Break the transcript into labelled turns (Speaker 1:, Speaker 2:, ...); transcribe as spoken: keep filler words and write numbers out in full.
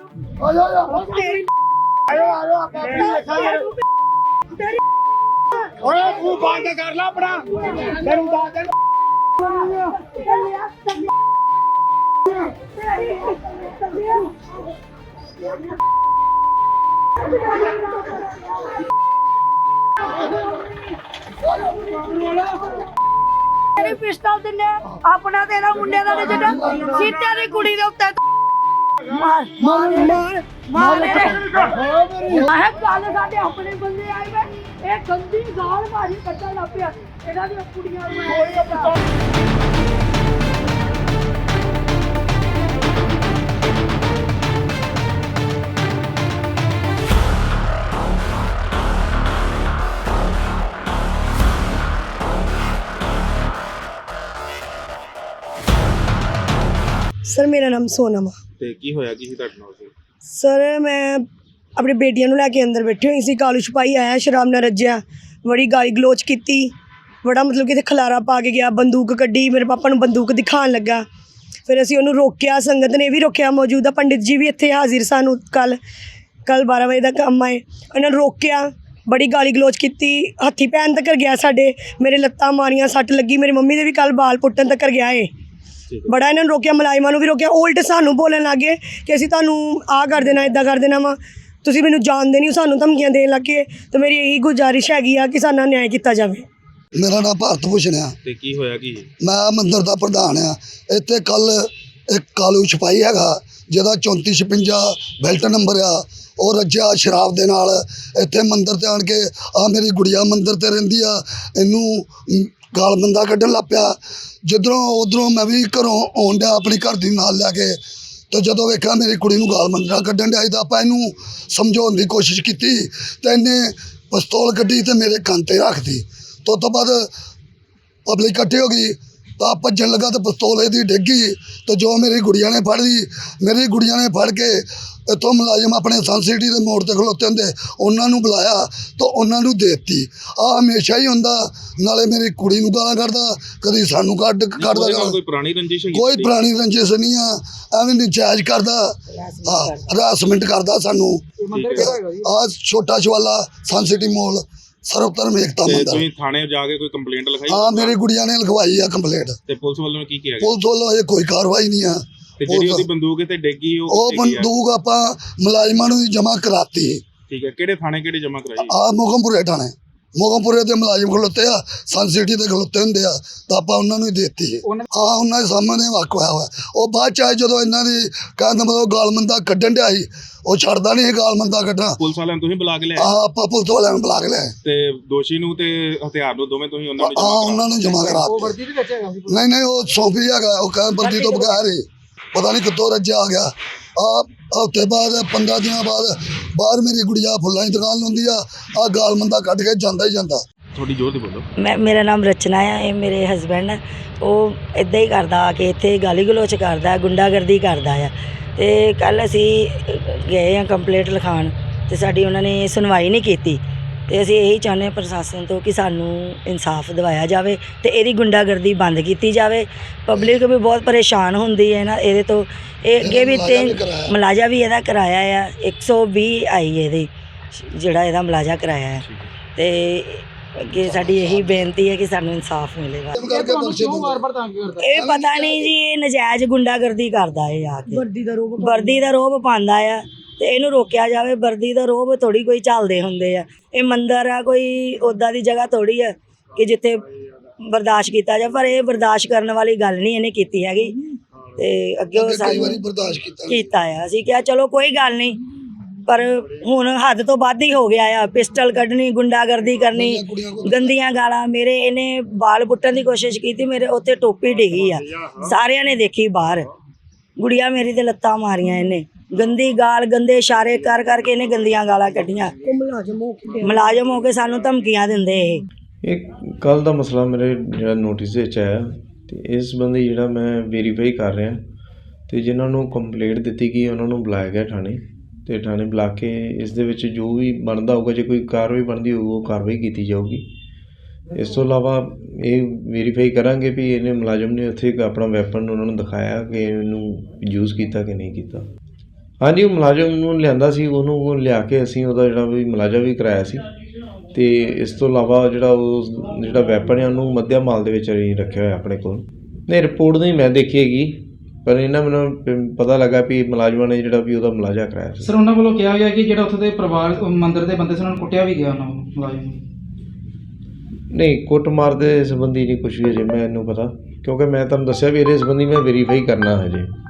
Speaker 1: तू बंद कर ला अपना तेरू दादे
Speaker 2: पिस्टल दिने अपना तेरा मुंडे दा जेड़ा सीटे दी कुड़ी दे उत्ते मार मार मार मार मैं गल साडे अपने बंदे आए वे ए गंदी गाल मारी कट्टा ला पिया एदा दी कुड़ियां
Speaker 3: सर मेरा नाम सोनम
Speaker 4: ਤੇ ਕੀ ਹੋਇਆ ਕੀ ਸੀ ਤੁਹਾਡੇ ਨਾਲ?
Speaker 3: सर मैं अपनी बेटियां नूं लैके अंदर बैठी हुई सी कालू छपाई आया शराब नाल रज्जिया बड़ी गाली गलोच की बड़ा मतलब कि खलारा पा के गया बंदूक कड्डी मेरे पापा नूं बंदूक दिखाण लगा फिर असीं उहनूं रोकिया संगत ने भी रोकिया मौजूदा पंडित जी भी इत्थे हाजिर सानूं कल कल बारह बजे दा काम आए उन्होंने रोकिया बड़ी गाली गलोच की हत्थी भैन तक गया साडे मेरे लत्तां मारियां सट लगी मेरी मम्मी दे भी कल बाल पुट्टन तक गया है बड़ा इन्होंने रोकिया मुलाजिमां नूं भी रोकिया उल्ट सानूं बोलन लग गए कि असीं तुहानूं आ कर देना इदां कर देना वा तुसीं मैनूं जानदे नहीं सानूं धमकियां देण लग गए तो मेरी यही गुजारिश हैगी आ कि साडा न्याय किया जाए।
Speaker 5: मेरा नाम भारत भूषण है
Speaker 4: ਤੇ ਕੀ ਹੋਇਆ ਕੀ?
Speaker 5: मैं मंदिर का प्रधान हाँ इत्थे कल एक कालू छपाई हैगा जिहदा चौंती छपंजा बेल्ट नंबर आ और रज्जिया शराब दे नाल इत्थे मंदिर ते आण के आ मेरी गुड़िया मंदिर ते रहिंदी आ इनू गाल बंदा कड्ढन लग पिया जिधरों उधरों मैं भी घरों आउण डिया अपनी घर दी नाल लैके तो जदों वेखिया मेरी कुड़ी नूं गाल बंदा कड्ढन डिया तो आपां इनू समझाउण दी कोशिश कीती ते इन्ने पिस्तौल कड्ढी ते मेरे कंन ते रख दी तो तो बाद पब्लिक इकट्ठी हो गई तो भजन लगा तो पिस्तौल इहदी डिग गई तो जो मेरी गुड़िया ने फड़ ली मेरी गुड़िया ने फड़ के इतों मुलाजिम अपने सन सिटी के मोड़ पर खलोते होंगे उन्होंने बुलाया तो उन्होंने देती आ हमेशा ही होंदा नाले मेरी कुड़ी नूं गालां कढदा कदी सानूं कढ कढदा
Speaker 4: कोई पुरानी रंजिश है?
Speaker 5: कोई पुरानी रंजिश नहीं आ एवें नजायज करदा हाँ हरासमेंट करदा सानूं आ छोटा शवाला सन सिटी मॉल सर्वधर्म एकता मंदिर
Speaker 4: ਤੁਸੀਂ ਥਾਣੇ ਜਾ ਕੇ ਕੋਈ ਕੰਪਲੇਂਟ ਲਿਖਾਈ?
Speaker 5: हाँ मेरी गुड़िया ने लिखवाई है कंप्लेंट
Speaker 4: ਤੇ ਪੁਲਿਸ ਵੱਲੋਂ ਕੀ ਕੀਤਾ ਗਿਆ?
Speaker 5: पुलिस वालों अजे कोई कार्रवाई नहीं है
Speaker 4: ਤੇ ਜਿਹੜੀ ਉਹਦੀ ਬੰਦੂਕ ਤੇ ਡਿੱਗੀ ਉਹ
Speaker 5: ਉਹ
Speaker 4: ਕਿੱਥੇ ਗਈ ਆ?
Speaker 5: ਬੰਦੂਕ ਆਪਾਂ ਮੁਲਾਜ਼ਮਾਂ ਨੂੰ ਜਮ੍ਹਾਂ ਕਰਾਤੀ
Speaker 4: ਠੀਕ ਹੈ ਕਿਹੜੇ ਥਾਣੇ ਕਿਹੜੇ ਜਮ੍ਹਾਂ ਕਰਾਈ?
Speaker 5: ਆ ਮੋਗਮਪੁਰੇ ਥਾਣੇ ਮੋਗਮਪੁਰੇ ਦੇ ਮੁਲਾਜ਼ਮ ਖਲੋਤੇ ਆ ਸਨ ਸਿਟੀ ਦੇ ਖਲੋਤੇ ਹੁੰਦੇ ਆ ਤਾਂ ਆਪਾਂ ਉਹਨਾਂ ਨੂੰ ਹੀ ਦੇਤੀ ਹਾਂ ਉਹਨਾਂ ਦੇ ਸਾਹਮਣੇ ਵਾਕਿਆ ਹੋਇਆ ਉਹ ਬਾਅਦ ਚ ਆਏ ਜਦੋਂ ਇਹਨਾਂ ਦੀ ਕਹਿੰਦਾ ਮਤਲਬ ਗਾਲਮੰਦਾ ਕੱਢਣ ਡਿਆ ਸੀ ਉਹ ਛੱਡਦਾ ਨਹੀਂ ਗਾਲਮੰਦਾ ਕੱਢਣਾ
Speaker 4: ਪੁਲਿਸ ਵਾਲਿਆਂ ਨੂੰ ਤੁਸੀਂ ਬੁਲਾ ਕੇ ਲਿਆ?
Speaker 5: ਆ ਆਪਾਂ ਪੁਲਿਸ ਵਾਲਿਆਂ ਨੂੰ ਬੁਲਾ ਕੇ ਲਿਆ
Speaker 4: ਤੇ ਦੋਸ਼ੀ ਨੂੰ ਤੇ ਹਥਿਆਰ ਨੂੰ ਦੋਵੇਂ ਤੁਸੀਂ ਉਹਨਾਂ ਨੂੰ
Speaker 5: ਹਾਂ
Speaker 4: ਜਮ੍ਹਾਂ
Speaker 5: ਉਹਨਾਂ ਨੂੰ ਜਮ੍ਹਾਂ ਕਰਾ
Speaker 1: ਉਹ ਵਰਦੀ ਦੇ ਵਿੱਚ ਹੈਗਾ ਸੀ
Speaker 5: ਨਹੀਂ ਨਹੀਂ ਉਹ ਸੌਂਪੀ ਹੈਗਾ ਉਹ ਕਹਿੰਦਾ ਵਰਦੀ ਤੋਂ ਬਗੈਰ ਹੀ ਪਤਾ ਨਹੀਂ ਕਿੱਥੋਂ ਰੱਜਿਆ ਆ ਗਿਆ ਆ ਹਫ਼ਤੇ ਬਾਅਦ ਪੰਦਰਾਂ ਦਿਨਾਂ ਬਾਅਦ ਬਾਹਰ ਮੇਰੀ ਗੁੜੀਆ ਫੁੱਲਾਂ ਦੀ ਦੁਕਾਨ ਲਾਉਂਦੀ ਆ ਆ ਗਾਲਮੰਦਾ ਕੱਢ ਕੇ ਜਾਂਦਾ ਹੀ ਜਾਂਦਾ।
Speaker 4: ਥੋੜੀ ਜ਼ੋਰ ਦੀ ਬੋਲੋ।
Speaker 3: मैं मेरा नाम रचना है ये मेरे हसबैंड है ਉਹ ਇੱਦਾਂ ਹੀ ਕਰਦਾ ਆ ਕੇ ਇੱਥੇ ਗਾਲੀ ਗਲੋਚ ਕਰਦਾ ਗੁੰਡਾਗਰਦੀ ਕਰਦਾ ਆ ਤੇ ਕੱਲ ਅਸੀਂ ਗਏ ਆ ਕੰਪਲੇਂਟ ਲਿਖਾਉਣ ਤੇ ਸਾਡੀ ਉਹਨਾਂ ਨੇ ਸੁਣਵਾਈ ਨਹੀਂ ਕੀਤੀ ਤੇ ਅਸੀਂ ਇਹੀ ਚਾਹੁੰਦੇ ਹਾਂ ਪ੍ਰਸ਼ਾਸਨ ਤੋਂ ਕਿ ਸਾਨੂੰ ਇਨਸਾਫ ਦਿਵਾਇਆ ਜਾਵੇ ਤੇ ਇਹਦੀ ਗੁੰਡਾਗਰਦੀ ਬੰਦ ਕੀਤੀ ਜਾਵੇ। ਪਬਲਿਕ ਵੀ ਬਹੁਤ ਪਰੇਸ਼ਾਨ ਹੁੰਦੀ ਹੈ ਨਾ ਇਹਦੇ ਤੋਂ ਇਹ ਅੱਗੇ ਵੀ ਤਿੰਨ ਮੁਲਾਜ਼ਾ ਵੀ ਇਹਦਾ ਕਰਾਇਆ ਆ ਇੱਕ ਸੌ ਵੀਹ ਆਈ ਇਹਦੀ ਜਿਹੜਾ ਇਹਦਾ ਮੁਲਾਜ਼ਾ ਕਰਾਇਆ ਹੈ ਤੇ ਅੱਗੇ ਸਾਡੀ ਇਹੀ ਬੇਨਤੀ ਹੈ ਕਿ ਸਾਨੂੰ ਇਨਸਾਫ ਮਿਲੇਗਾ। ਇਹ ਪਤਾ ਨਹੀਂ ਜੀ ਇਹ ਨਜਾਇਜ਼ ਗੁੰਡਾਗਰਦੀ ਕਰਦਾ ਹੈ ਆ ਕੇ ਵਰਦੀ ਦਾ ਰੋਬ ਵਰਦੀ ਦਾ ਰੋਬ ਪਾਉਂਦਾ ਆ ਤੇ ਇਹਨੂੰ ਰੋਕਿਆ ਜਾਵੇ। ਵਰਦੀ ਦਾ ਰੋਬ ਥੋੜੀ ਕੋਈ ਚੱਲਦੇ ਹੁੰਦੇ ਆ ਇਹ ਮੰਦਰ ਆ ਕੋਈ ਉੱਦਾਂ ਦੀ ਜਗ੍ਹਾ ਥੋੜੀ ਆ ਕਿ ਜਿੱਥੇ ਬਰਦਾਸ਼ਤ ਕੀਤਾ ਜਾ ਪਰ ਇਹ ਬਰਦਾਸ਼ਤ ਕਰਨ ਵਾਲੀ ਗੱਲ ਨਹੀਂ ਇਹਨੇ ਕੀਤੀ ਹੈਗੀ ਤੇ ਅੱਗੇ ਉਹ
Speaker 5: ਕਈ ਵਾਰੀ ਬਰਦਾਸ਼ਤ ਕੀਤਾ
Speaker 3: ਕੀਤਾ ਆ ਅਸੀਂ ਕਿਹਾ ਚਲੋ ਕੋਈ ਗੱਲ ਨਹੀਂ ਪਰ ਹੁਣ ਹੱਦ ਤੋਂ ਵੱਧ ਹੀ ਹੋ ਗਿਆ ਆ ਪਿਸਟਲ ਕੱਢਣੀ ਗੁੰਡਾਗਰਦੀ ਕਰਨੀ ਗੰਦੀਆਂ ਗਾਲਾਂ ਮੇਰੇ ਇਹਨੇ ਬਾਲ ਪੁੱਟਣ ਦੀ ਕੋਸ਼ਿਸ਼ ਕੀਤੀ ਮੇਰੇ ਉੱਤੇ ਟੋਪੀ ਡਿੱਗੀ ਆ ਸਾਰਿਆਂ ਨੇ ਦੇਖੀ ਬਾਹਰ ਗੁੜੀਆ ਮੇਰੀ ਤੇ ਲੱਤਾਂ ਮਾਰੀਆਂ ਇਹਨੇ ਗੰਦੀ ਗਾਲ ਗੰਦੇ ਇਸ਼ਾਰੇ ਕਰ ਕਰਕੇ ਇਹਨੇ ਗੰਦੀਆਂ ਗਾਲਾਂ ਕੱਢੀਆਂ ਮੁਲਾਜ਼ਮ ਹੋ ਕੇ ਸਾਨੂੰ ਧਮਕੀਆਂ ਦਿੰਦੇ ਇਹ
Speaker 6: ਇਹ ਕੱਲ੍ਹ ਦਾ ਮਸਲਾ ਮੇਰੇ ਜਿਹੜਾ ਨੋਟਿਸ ਵਿੱਚ ਆਇਆ ਅਤੇ ਇਸ ਸੰਬੰਧੀ ਜਿਹੜਾ ਮੈਂ ਵੈਰੀਫਾਈ ਕਰ ਰਿਹਾ ਅਤੇ ਜਿਨ੍ਹਾਂ ਨੂੰ ਕੰਪਲੇਂਟ ਦਿੱਤੀ ਗਈ ਉਹਨਾਂ ਨੂੰ ਬੁਲਾਇਆ ਗਿਆ ਥਾਣੇ ਅਤੇ ਥਾਣੇ ਬੁਲਾ ਕੇ ਇਸ ਦੇ ਵਿੱਚ ਜੋ ਵੀ ਬਣਦਾ ਹੋਊਗਾ ਜੇ ਕੋਈ ਕਾਰਵਾਈ ਬਣਦੀ ਹੋਊ ਉਹ ਕਾਰਵਾਈ ਕੀਤੀ ਜਾਊਗੀ। ਇਸ ਤੋਂ ਇਲਾਵਾ ਇਹ ਵੈਰੀਫਾਈ ਕਰਾਂਗੇ ਵੀ ਇਹਨੇ ਮੁਲਾਜ਼ਮ ਨੇ ਉੱਥੇ ਆਪਣਾ ਵੈਪਨ ਉਹਨਾਂ ਨੂੰ ਦਿਖਾਇਆ ਕਿ ਇਹਨੂੰ ਯੂਜ਼ ਕੀਤਾ ਕਿ ਨਹੀਂ ਕੀਤਾ। ਹਾਂਜੀ ਉਹ ਮੁਲਾਜ਼ਮ ਨੂੰ ਲਿਆਂਦਾ ਸੀ, ਉਹਨੂੰ ਲਿਆ ਕੇ ਅਸੀਂ ਉਹਦਾ ਜਿਹੜਾ ਵੀ ਮੁਲਾਜ਼ਾ ਵੀ ਕਰਾਇਆ ਸੀ। ਅਤੇ ਇਸ ਤੋਂ ਇਲਾਵਾ ਜਿਹੜਾ ਉਹ ਜਿਹੜਾ ਵੈਪਨ ਹੈ ਉਹਨੂੰ ਮੱਧਿਆ ਮਾਲ ਦੇ ਵਿੱਚ ਅਸੀਂ ਰੱਖਿਆ ਹੋਇਆ ਆਪਣੇ ਕੋਲ। ਨਹੀਂ ਰਿਪੋਰਟ ਨਹੀਂ ਮੈਂ ਦੇਖੀ ਹੈਗੀ, ਪਰ ਇਹਨਾਂ ਮੈਨੂੰ ਪ- ਪਤਾ ਲੱਗਾ ਵੀ ਮੁਲਾਜ਼ਮਾਂ ਨੇ ਜਿਹੜਾ ਵੀ ਉਹਦਾ ਮੁਲਾਜ਼ਾ ਕਰਾਇਆ ਸੀ।
Speaker 7: ਸਰ ਉਹਨਾਂ ਵੱਲੋਂ ਕਿਹਾ ਗਿਆ ਕਿ ਜਿਹੜਾ ਉੱਥੇ ਦੇ ਪਰਿਵਾਰ ਮੰਦਿਰ ਦੇ ਬੰਦੇ ਸੀ ਉਹਨਾਂ ਨੂੰ ਕੁੱਟਿਆ ਵੀ ਗਿਆ ਉਹਨਾਂ ਵੱਲੋਂ ਮੁਲਾਜ਼ਮ ਨੂੰ।
Speaker 6: ਨਹੀਂ ਕੁੱਟਮਾਰ ਦੇ ਸੰਬੰਧੀ ਨਹੀਂ ਕੁਛ ਵੀ ਅਜੇ ਮੈਨੂੰ ਪਤਾ, ਕਿਉਂਕਿ ਮੈਂ ਤੁਹਾਨੂੰ ਦੱਸਿਆ ਵੀ ਇਹਦੇ ਸੰਬੰਧੀ ਮੈਂ ਵੈਰੀਫਾਈ ਕਰਨਾ ਹਜੇ।